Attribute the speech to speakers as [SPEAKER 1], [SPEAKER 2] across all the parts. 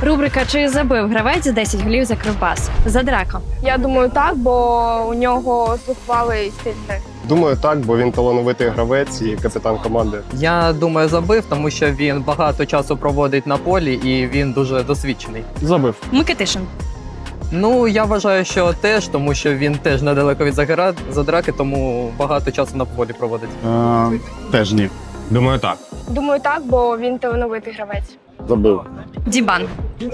[SPEAKER 1] Рубрика «Чи забив гравець 10 голів за Кривбас?» Задрако.
[SPEAKER 2] Я думаю, так, бо у нього зухвалий стиль гри.
[SPEAKER 3] Думаю, так, бо він талановитий гравець і капітан команди.
[SPEAKER 4] Я думаю, забив, тому що він багато часу проводить на полі і він дуже досвідчений.
[SPEAKER 5] Забив.
[SPEAKER 1] Микитишин.
[SPEAKER 4] Ну, я вважаю, що теж, тому що він теж недалеко від задраки, тому багато часу на полі проводить.
[SPEAKER 5] Теж ні.
[SPEAKER 6] Думаю, так.
[SPEAKER 2] Думаю, так, бо він талановитий гравець.
[SPEAKER 5] Забив.
[SPEAKER 1] Дібан.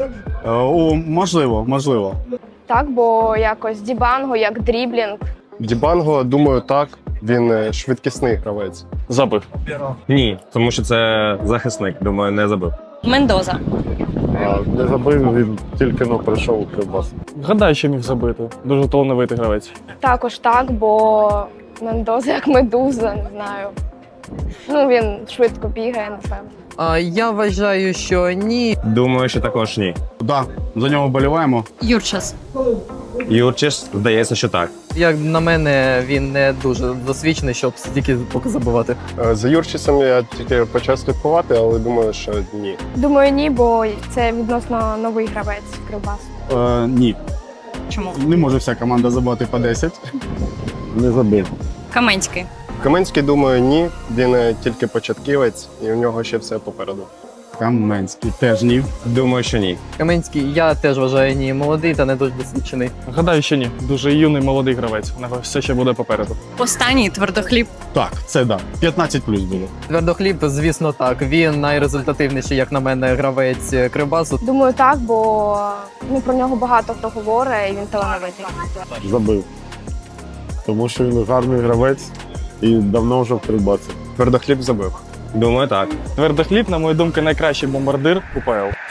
[SPEAKER 5] Можливо.
[SPEAKER 2] Так, бо якось дібанго, як дріблінг.
[SPEAKER 3] Дібанго, думаю, так. Він швидкісний гравець.
[SPEAKER 5] Забив.
[SPEAKER 6] Ні, тому що це захисник. Думаю, не забив.
[SPEAKER 1] Мендоза.
[SPEAKER 7] Не забив, він тільки прийшов у Кривбас.
[SPEAKER 5] Гадаю, що міг забити. Дуже талановитий гравець.
[SPEAKER 2] Також так, бо Мендоза як медуза, не знаю. Ну, він швидко бігає, напевно.
[SPEAKER 4] Я вважаю, що ні.
[SPEAKER 6] Думаю, що також ні.
[SPEAKER 5] Так, за нього вболіваємо.
[SPEAKER 1] Юрчас.
[SPEAKER 6] Юрчиш, здається, що так.
[SPEAKER 4] Як на мене, він не дуже досвідчений, щоб тільки поки забивати.
[SPEAKER 3] За Юрчисом я тільки почав слідкувати, але думаю, що ні.
[SPEAKER 2] Думаю, ні, бо це відносно новий гравець Кривбас.
[SPEAKER 5] Ні.
[SPEAKER 1] Чому?
[SPEAKER 5] Не може вся команда забити по 10.
[SPEAKER 7] Не забив.
[SPEAKER 1] Каменський.
[SPEAKER 3] Каменський, думаю, ні. Він тільки початківець, і у нього ще все попереду.
[SPEAKER 5] Каменський теж ні.
[SPEAKER 6] Думаю, що ні.
[SPEAKER 4] Каменський, я теж вважаю, ні, молодий та не дуже досвідчений.
[SPEAKER 5] Гадаю, що ні. Дуже юний молодий гравець. У нього все ще буде попереду.
[SPEAKER 1] Останній твердохліб.
[SPEAKER 5] Так, це да. 15 плюс було.
[SPEAKER 4] Твердохліб, звісно, так. Він найрезультативніший, як на мене, гравець Кривбасу.
[SPEAKER 2] Думаю, так, бо про нього багато хто говорить, і він талановитий.
[SPEAKER 7] Забив. Тому що він гарний гравець і давно вже в Кривбасі.
[SPEAKER 3] Твердохліб забив.
[SPEAKER 6] Думаю, так.
[SPEAKER 5] Твердохліб, на мою думку, найкращий бомбардир УПЛ.